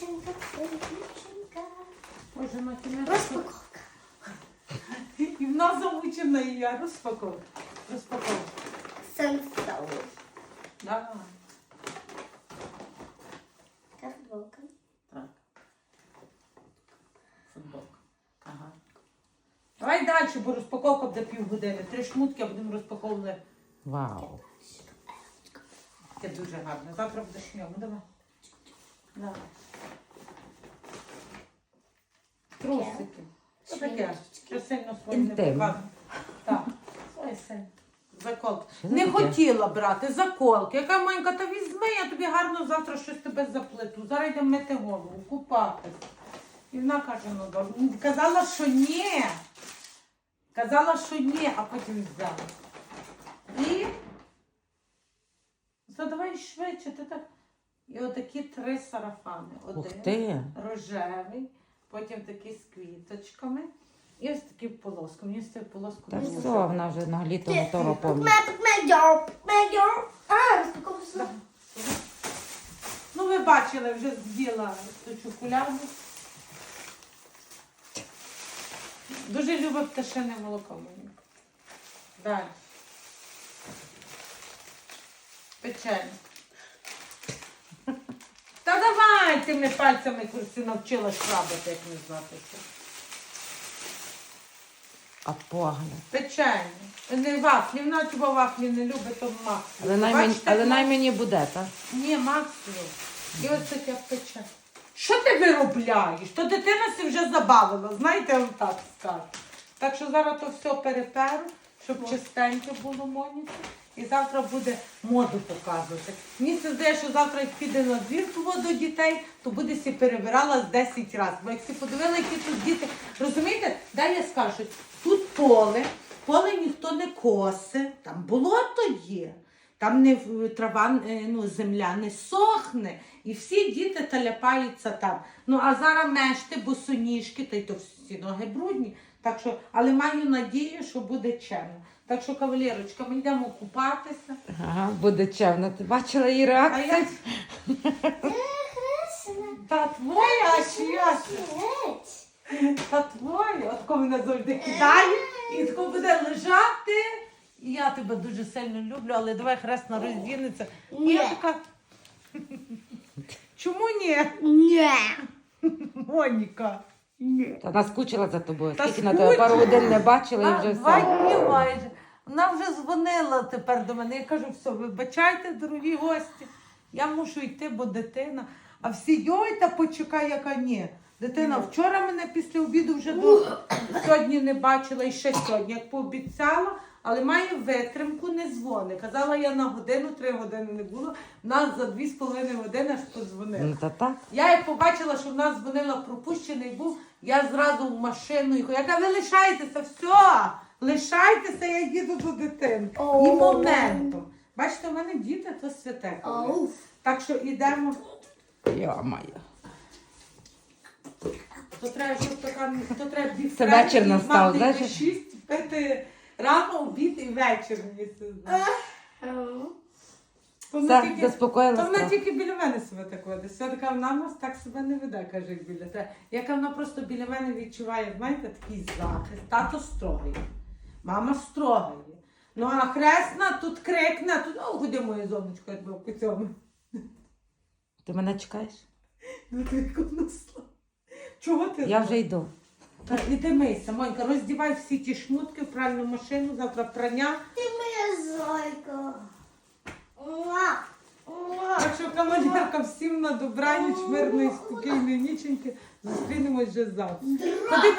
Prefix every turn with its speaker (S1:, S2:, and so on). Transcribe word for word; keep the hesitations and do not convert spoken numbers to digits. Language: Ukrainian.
S1: дівчинка, ти дівчинка.
S2: Боже, матінка.
S1: Розпаковка.
S2: І в нас замучена і я. Розпаковка. Розпаковка.
S1: Сенсоу.
S2: Давай.
S1: Така футболка.
S2: Так. Футболка. Ага. Давай далі, бо розпаковка буде півгодини. Три шмутки, а будемо розпаковувати.
S3: Вау.
S2: Це дуже гарно. Завтра будеш в ньому. Давай. Давай. Трусики. Що таке? Що сильно своє не
S3: Інтим.
S2: показує? Так. Своє сильно. Заколки.
S3: Що це
S2: Не
S3: таке?
S2: хотіла брати заколки. Яка Манька, та візьми, я тобі гарно завтра щось тебе заплету. Зараз йдемо мити голову, купатись. І вона каже, ну добре. Казала, що ні. Казала, що ні, а потім взяла. І задавай швидше, ти так. І отакі три сарафани.
S3: Ух
S2: Один
S3: ти.
S2: рожевий, потім такий з квіточками. І ось такий в полоску. Мені з цією полоскою
S3: Та
S2: дуже
S3: все, вона вже на літо готова повністю.
S1: Медьо, медьо. А, розпаковка.
S2: Ну, ви бачили, вже з'їла ту чоколяду. Дуже любить пташине молоко мені. Далі. Печення. Та давай тими пальцями курси навчила шрабати, як не знати що.
S3: А погляд.
S2: Печення. Не вафлі, вона хіба вафлі не любить, то максимум.
S3: Але най мені,
S2: Бачите,
S3: але най
S2: як
S3: мені буде, так?
S2: Ні, максимум. І ось таке пече. Що ти виробляєш? То дитина си вже забавила, знаєте, я вам так скажу. Так що зараз то все переперу, щоб чистеньке було Моніка. І завтра буде моду показувати. Мені це здає, що завтра як піде на двір до дітей, то буде сі перебирала з десять разів. Бо як сі подивила, які тут діти, розумієте, дай я скажу, тут поле, поле ніхто не косе, там болото є. Там не в- трава, е, ну, земля не сохне, і всі діти таляпаються там. Ну, а зараз мешти, босоніжки, та й то всі ноги брудні. Так що, але маю надію, що буде чемно. Так що, кавалерочка, ми йдемо купатися.
S3: Ага, буде чемно. Ти бачила її
S2: А
S3: реакцію?
S2: я... Та твоя, а чия? Та твоя. От коли мене завжди кидає, і тако буде лежати. І я тебе дуже сильно люблю, але давай хресна роздінеться. І
S1: Ні.
S2: я така... Чому ні?
S1: Ні.
S2: Моніка. Ні.
S3: Та вона скучила за тобою.
S2: Та
S3: Скільки на тебе пару годин не бачила і
S2: А,
S3: вже
S2: два
S3: все.
S2: дні майже. Вона вже дзвонила тепер до мене. Я кажу, все, вибачайте, дорогі гості. Я мушу йти, бо дитина. А всі, йой, та почекай, яка ні. Дитина вчора мене після обіду вже до сьогодні не бачила і ще сьогодні, як пообіцяла, але має витримку, не дзвони. Казала, я на годину, три години не було. Нас за дві з половиною години аж подзвонила.
S3: Ну та так.
S2: Я як побачила, що в нас дзвонила пропущений був, я зразу в машину їхала. Я кажу, ви лишайтеся, все, лишайтеся, я їду до дитини. І
S1: О.
S2: моментом. Бачите, у мене діти, то святе.
S1: Оу.
S2: Так що йдемо.
S3: Йо-моє.
S2: То треба, щоб така, то треба дві
S3: Це
S2: френки,
S3: вечір настав,
S2: мати
S3: знаєш?
S2: йти шість, пити рано, обід і вечір. Мені це знає. То вона
S3: Все,
S2: тільки-
S3: заспокоїлась
S2: То вона
S3: трохи.
S2: тільки біля мене себе так веде. Все така вона в нас так себе не веде, каже, як біля тебе. Яка вона просто біля мене відчуває, знаєте, такий захист. Тато строгий, мама строга є. Ну а хресна тут крикне, тут, о, куди моє зонечко, якби по цьому.
S3: Ти мене чекаєш?
S2: Ну ти як вона слава. Чого ти?
S3: Я вже йду.
S2: Так, іди мийся, Монька, роздівай всі ті шмутки в пральну машину, завтра прання.
S1: Ти моя зайка. Муа. Муа.
S2: Так що, кавалерка, всім на добраніч, мирної, спокійної ніченьки. Зустрінемось вже завтра. Ходи